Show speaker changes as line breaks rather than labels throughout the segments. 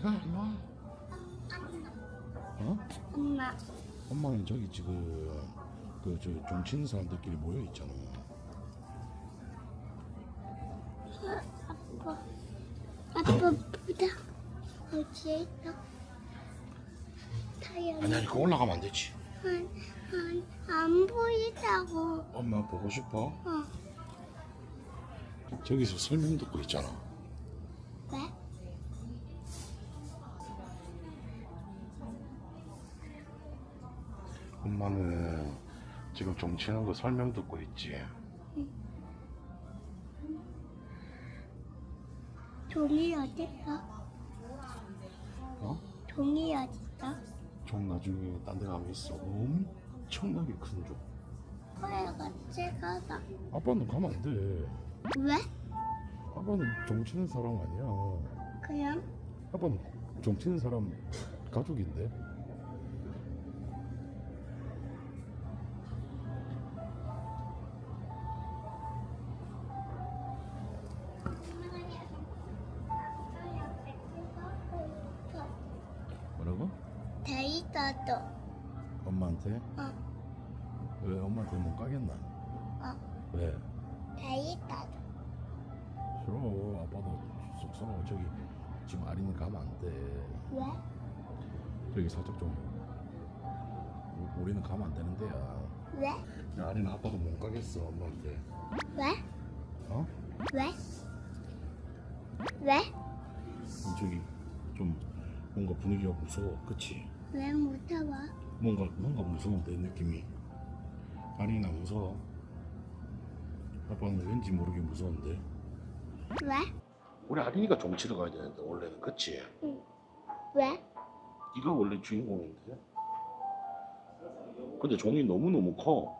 어디 가? 일로 와. 어?
엄마.
엄마는 저기 지금 그저 종치는 사람들끼리 모여 있잖아.
아빠 보다 어디에 있어? 타이어.
아니 그거 올라가면 안 되지.
안 보이다고.
엄마 보고 싶어?
어.
저기서 설명 듣고 있잖아.
왜?
엄마는 지금 종치는 거 설명 듣고 있지.
종이 어딨어?
어?
종이 어딨어?
종 나중에 딴 데 가면 있어. 엄청나게 큰 종.
그래 같이 가자.
아빠는 가면 안 돼.
왜?
아빠는 종치는 사람 아니야.
그냥
아빠는 종치는 사람 가족인데. 뭐라고?
데이터도.
엄마한테?
어.
왜 엄마한테 못 가겠나?
어.
왜?
데이터도.
싫어. 아빠도 쑥스러워. 저기 지금 아린이 가면 안 돼.
왜?
저기 살짝 좀 우리는 가면 안 되는 데야.
왜?
야, 아린 아빠도 못 가겠어 엄마한테.
왜?
어?
왜? 왜?
저기 좀 뭔가 분위기가 무서워. 그치?
왜 무서워?
뭔가 무서운데 느낌이. 아린아 무서워. 아빠는 왠지 모르게 무서운데.
왜?
우리 아린이가 종치러 가야 되는데 원래는. 그치?
응. 왜?
네가 원래 주인공인데. 근데 종이 너무너무 커.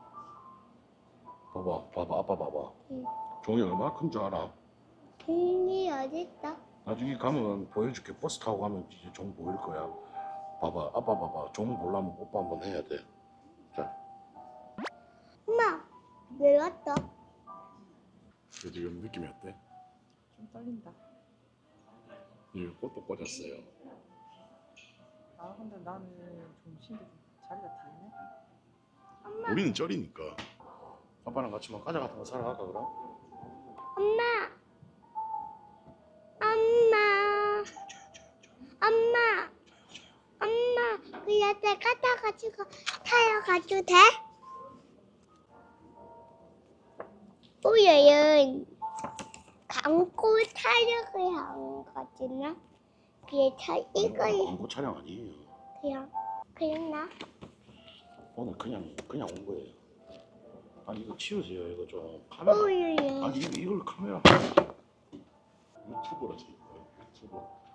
봐봐 아빠 봐봐.
응.
종이 얼마나 큰 줄 알아?
종이 어딨어?
나중에 가면 보여줄게. 버스 타고 가면 이제 종 보일 거야. 봐봐 아빠 봐봐. 종 보려면 오빠 한번 해야 돼. 자,
엄마 왜 왔어?
지금 느낌이 어때?
좀 떨린다.
이 꽃도 꽂았어요.
아 근데 나는 좀 신데 자리가 비네.
엄마.
우리는 쩔이니까. 아빠랑 같이 막 과자 같은 거 사러 갈까 그럼?
엄마. 엄마. 엄마. 엄마. 그냥 내가 타가지고 타러 가도 돼? 우리는 광고 촬영을 한 거지나 그래서 이걸
광고 촬영 아니에요.
그냥 나
오늘 그냥 온 거예요. 아니 이거 치우세요. 이거 좀 카메라.
우리는
아니 이걸 카메라. 유튜버라지. 유튜버.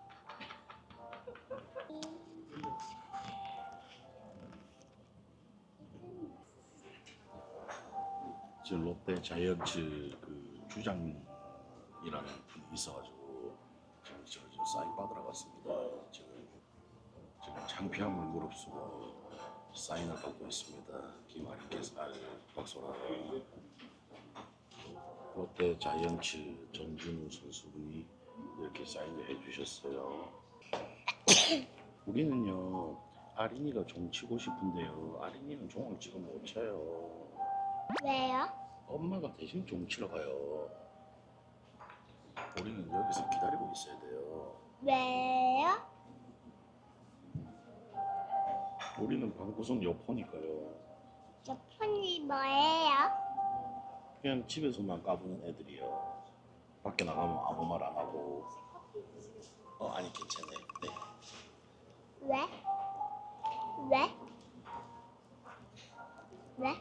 지금 롯데 자이언츠 그 주장이라는 분이 있어가지고 지금 사인 받으러 갔습니다. 지금 창피함을 무릅쓰고 사인을 받고 있습니다. 김아리께서 박소라. 롯데 자이언츠 전준우 선수분이 이렇게 사인을 해주셨어요. 우리는요 아린이가 종 치고 싶은데요. 아린이는 종을 지금 못 쳐요.
왜요?
엄마가 대신 종 치러 가요. 우리는 여기서 기다리고 있어야 돼요.
왜요?
우리는 방구석 여포니까요.
저 폰이 뭐예요?
그냥 집에서만 까부는 애들이요. 밖에 나가면 아무 말 안 하고. 아니 괜찮네. 네.
왜? 왜? 왜?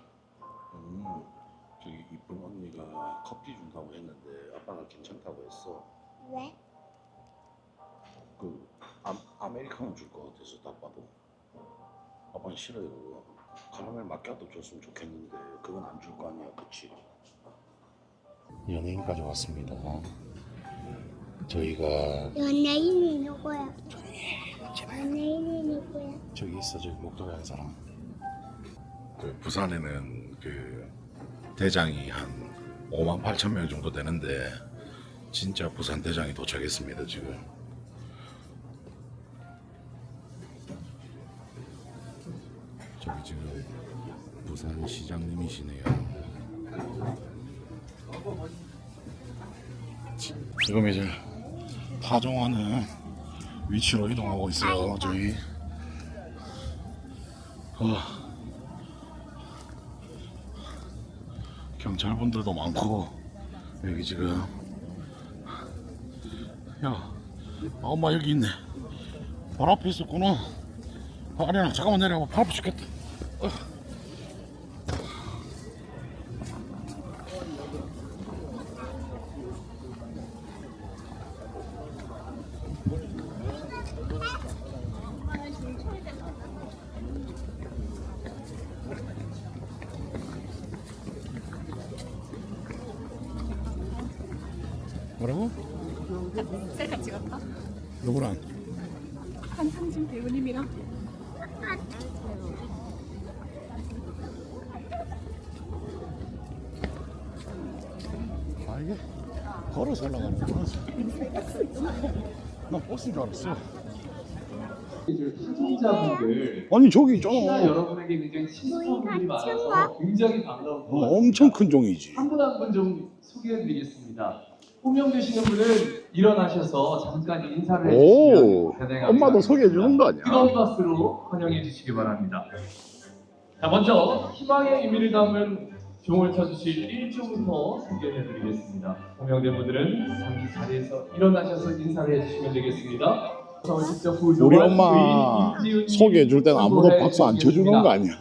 저기 이쁜 언니가 커피 준다고 했는데 아빠가 괜찮다고 했어.
왜?
그 아메리카노 줄 것 같아서 딱 봐도. 아빠는 싫어요 그거. 카라멜 마키아토 줬으면 좋겠는데 그건 안 줄 거 아니야. 그치? 연예인까지 왔습니다. 저희가
연예인이 누구야? 연예인이 누구야?
저기 있어. 저기 목도리 한 사람. 그 부산에는 그 대장이 한 5만 8천 명 정도 되는데 진짜 부산 대장이 도착했습니다. 지금 저기 지금 부산 시장님이시네요. 지금 이제 타종하는 위치로 이동하고 있어요. 저희 경찰분들도 많고 여기 지금 야 엄마 여기 있네. 발 앞에 있었구나. 아니야 잠깐만 내려봐. 발 아파 죽겠다. 뭐라고?
셀카 찍었다?
누구랑?
한상진 배우님이랑.
아 이게 걸어서 올라가는구나. 나 버스인 줄 알았어.
타종자분들
아니 저기
혹시나
있잖아.
여러분에게 굉장히 친숙한 분들이 많아서 굉장히 반가운
엄청 큰 종이지.
한 분 한 분 좀 소개해드리겠습니다. 호명되시는 분은 일어나셔서 잠깐 인사를
오,
해주시면 대단히
엄마도
감사하겠습니다.
소개해 주는 거 아니야?
뜨거운 박수로 환영해 주시기 바랍니다. 자, 먼저 희망의 의미를 담은 종을 쳐주실 1종부터 소개해드리겠습니다. 호명된 분들은 잠시 자리에서 일어나셔서 인사를 해주시면 되겠습니다.
우리 엄마 소개해 줄 때는 아무도 박수 안 쳐주는 거 아니야?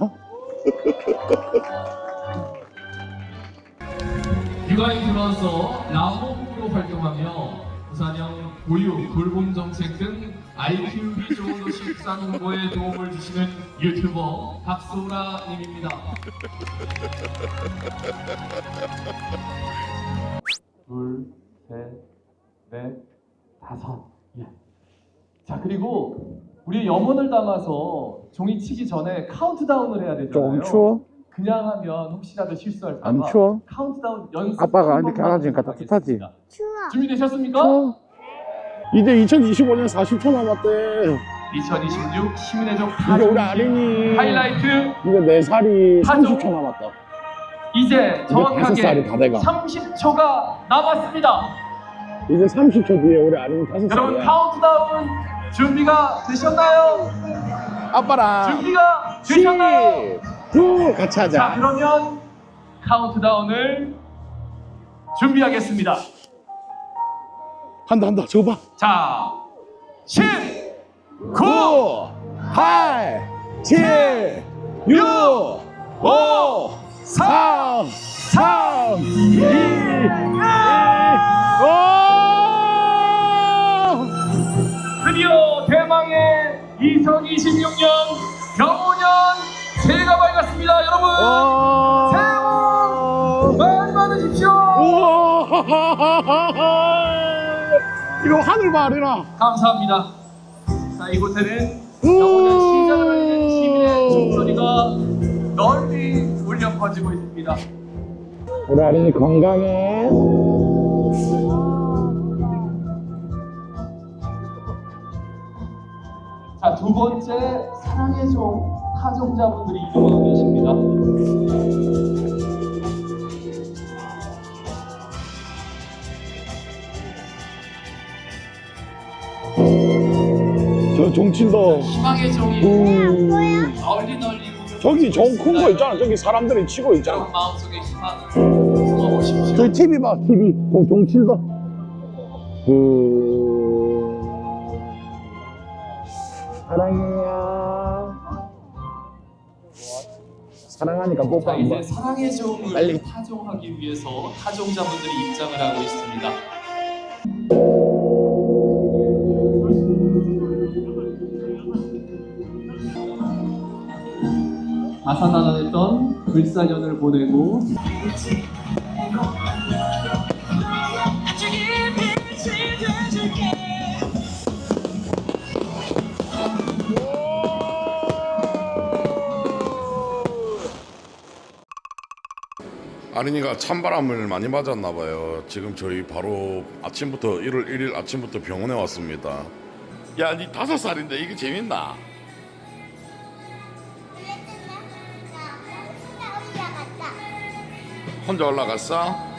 육아에 들어와서 라모부로 활동하며 부산형 보육, 돌봄 정책 등 아이 키우기 좋은 도시 부산 홍보에 도움을 주시는 유튜버 박소라님입니다. 둘, 셋, 넷, 다섯. 예. 자, 그리고 우리 염원을 담아서 종이 치기 전에 카운트다운을 해야 되잖아요.
조금 추워?
그냥 하면 혹시라도 실수할까
안
봐
추워?
카운트다운 연습
아빠가
한
이렇게
번만
하라니까
하도록
따뜻하지?
하겠습니다.
추워.
준비되셨습니까?
추워? 이제 2025년 40초 남았대.
2026 시민의종
이제 우리 아린이
하이라이트
이제 4살이
타종.
30초 남았다.
이제
이제 5살이
정확하게
다 돼가.
30초가 남았습니다.
이제 30초 뒤에 우리 아린이
여러분
5살이야.
카운트다운 준비가 되셨나요?
아빠랑
준비가 되셨나요?
9 같이
자,
하자.
그러면 카운트다운을 준비하겠습니다.
한다 저거 봐.
자, 10, 9,
8 7 6 5 4 3 2 1
드디어 대망의 2026년 경호년 새해가 밝았습니다. 여러분 새해 복 많이 받으십시오.
우와 이거 하늘 봐 아리나.
감사합니다. 자, 이곳에는 경호년 시작을 알리는 시민의 종소리가 널리 울려 퍼지고 있습니다.
우리 아린이 건강해.
자, 두 번째 사랑의 종 타종자분들이 이동하고 계십니다.
저 종친도
희망의 종이
널리
널리
저기 저 큰 거 있잖아. 저기 사람들이 치고 있잖아.
여러분 마음속에 희망을 숨어보십시오.
저기 TV 봐 TV. 저 종친도 사랑해요. 사랑하니까 뽀뽀
자, 이제
한번.
사랑의 종을
빨리.
타종하기 위해서 타종자분들이 입장을 하고 있습니다. 아사나단했던 불사년을 보내고
아린이가 찬바람을 많이 맞았나 봐요. 지금 저희 바로 아침부터 1월 1일 아침부터 병원에 왔습니다. 야, 니 5살인데 이게 재밌나?
혼자 올라갔어?